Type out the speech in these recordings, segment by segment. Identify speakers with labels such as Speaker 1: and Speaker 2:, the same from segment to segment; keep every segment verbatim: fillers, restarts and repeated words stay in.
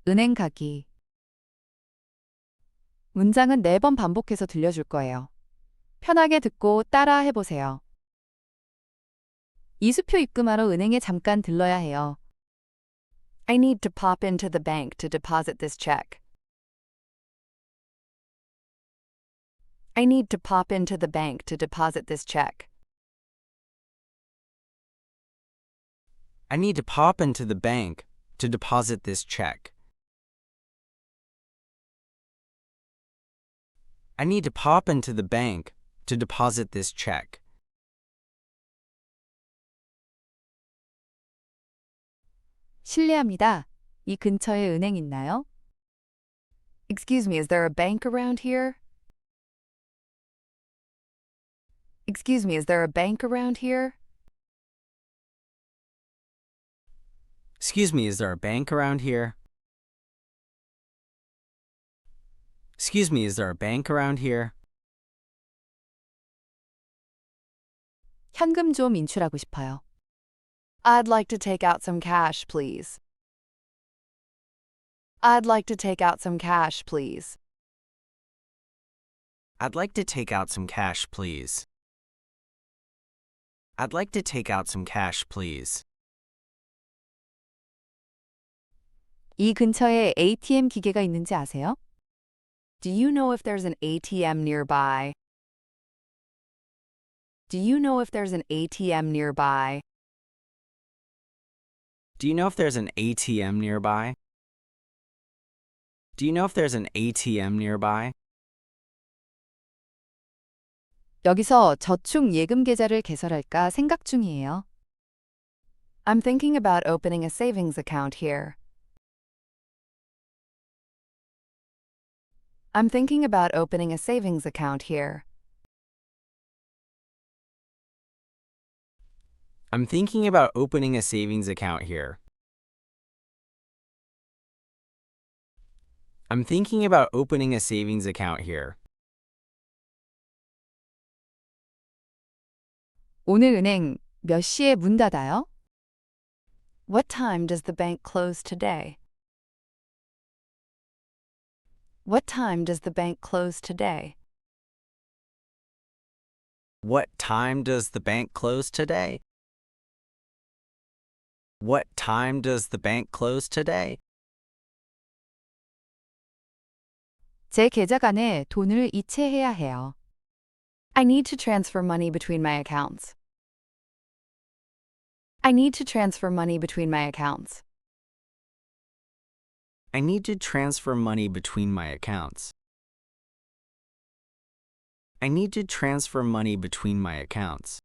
Speaker 1: 은행 가기. 문장은 네 번 반복해서 들려줄 거예요. 편하게 듣고 따라 해보세요. 이수표 입금하러 은행에 잠깐 들러야 해요. I need to pop into the bank to deposit this check. I need to pop into the bank to deposit this check.
Speaker 2: I need to pop into the bank to deposit this check. I need to pop into the bank to deposit this check.
Speaker 1: 실례합니다. 이 근처에 은행 있나요? Excuse me, is there a bank around here? Excuse me, is there a bank around here?
Speaker 2: Excuse me, is there a bank around here? Excuse me, is there a bank around here?
Speaker 1: 현금 좀 인출하고 싶어요. I'd like to take out some cash, please. I'd like to take out some cash, please.
Speaker 2: I'd like to take out some cash, please. I'd like to take out some cash, please.
Speaker 1: 이 근처에 에이티엠 기계가 있는지 아세요? Do you know if there's an A T M nearby? Do you know if there's an A T M nearby?
Speaker 2: Do you know if there's an A T M nearby? Do you know if there's an A T M nearby?
Speaker 1: 여기서 저축 예금 계좌를 개설할까 생각 중이에요. I'm thinking about opening a savings account here. I'm thinking about opening a savings account here.
Speaker 2: I'm thinking about opening a savings account here. I'm thinking about opening a savings account here.
Speaker 1: 오늘 은행 몇 시에 문 닫아요? What time does the bank close today? What time does the bank close today?
Speaker 2: What time does the bank close today? What time does the bank close today?
Speaker 1: 제 계좌 간에 돈을 이체해야 해요. I need to transfer money between my accounts. I need to transfer money between my accounts.
Speaker 2: I need to transfer money between my accounts. I need to transfer money between my accounts.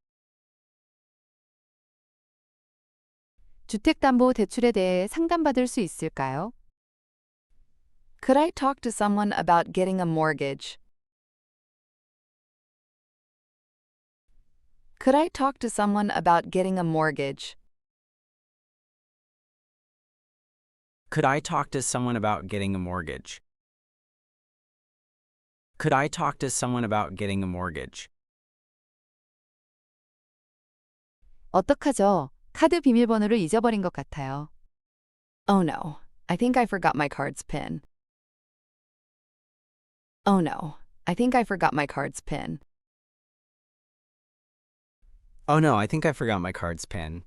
Speaker 1: 주택담보대출에 대해 상담받을 수 있을까요? Could I talk to someone about getting a mortgage? Could I talk to someone about getting a mortgage?
Speaker 2: Could I talk to someone about getting a mortgage? Could I talk to someone about getting a mortgage?
Speaker 1: 어떡하죠? 카드 비밀번호를 잊어버린 것 같아요. Oh no, I think I forgot my card's PIN. Oh no, I think I forgot my card's PIN.
Speaker 2: Oh no, I think I forgot my card's PIN.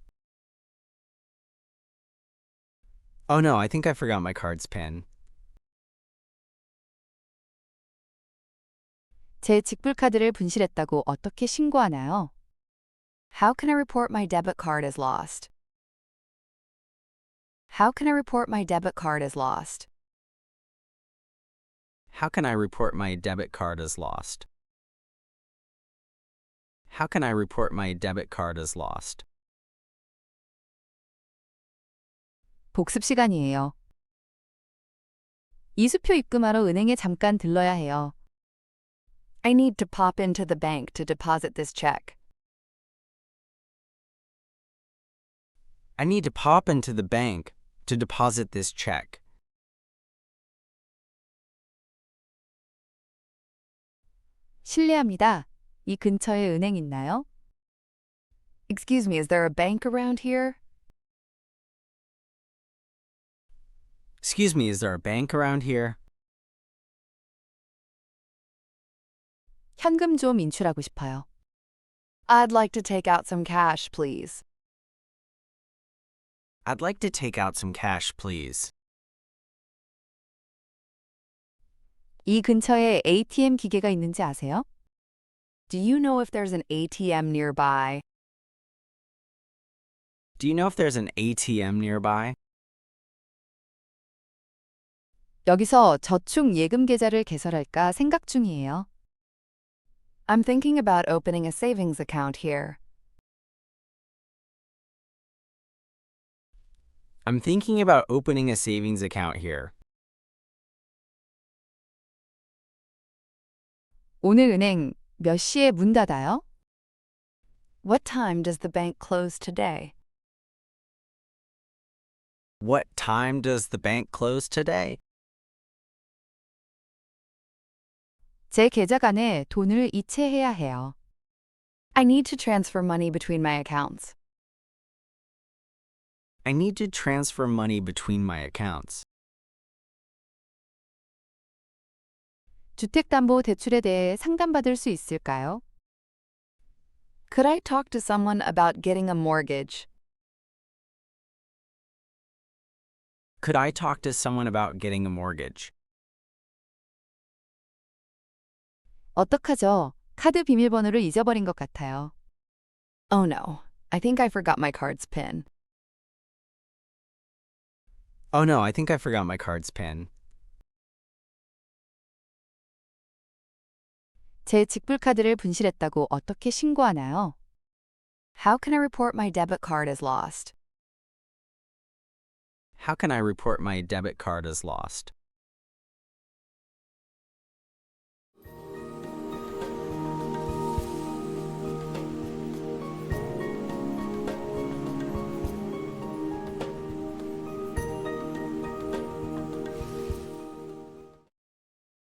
Speaker 2: Oh no, I think I forgot my card's PIN.
Speaker 1: 제 직불카드를 분실했다고 어떻게 신고하나요? How can I report my debit card as lost? How can I report my debit card as lost?
Speaker 2: How can I report my debit card as lost? How can I report my debit card as lost?
Speaker 1: 복습 시간이에요. 이수표 입금하러 은행에 잠깐 들러야 해요. I need to pop into the bank to deposit this check.
Speaker 2: I need to pop into the bank to deposit this check.
Speaker 1: 실례합니다. 이 근처에 은행 있나요? Excuse me, is there a bank around here?
Speaker 2: Excuse me, is there a bank around here?
Speaker 1: 현금 좀 인출하고 싶어요. I'd like to take out some cash, please.
Speaker 2: I'd like to take out some cash, please.
Speaker 1: 이 근처에 에이티엠 기계가 있는지 아세요? Do you know if there's an A T M nearby?
Speaker 2: Do you know if there's an A T M nearby?
Speaker 1: 여기서 저축 예금 계좌를 개설할까 생각 중이에요. I'm thinking about opening a savings account here.
Speaker 2: I'm thinking about opening a savings account here.
Speaker 1: 오늘 은행 몇 시에 문 닫아요? What time does the bank close today?
Speaker 2: What time does the bank close today?
Speaker 1: 제 계좌 간에 돈을 이체해야 해요. I need to transfer money between my accounts.
Speaker 2: I need to transfer money between my accounts.
Speaker 1: 주택담보대출에 대해 상담받을 수 있을까요? Could I talk to someone about getting a mortgage?
Speaker 2: Could I talk to someone about getting a mortgage?
Speaker 1: 어떡하죠? 카드 비밀번호를 잊어버린 것 같아요. Oh no, I think I forgot my card's pin.
Speaker 2: Oh no, I think I forgot my card's pin.
Speaker 1: 제 직불카드를 분실했다고 어떻게 신고하나요? How can I report my debit card as lost?
Speaker 2: How can I report my debit card as lost?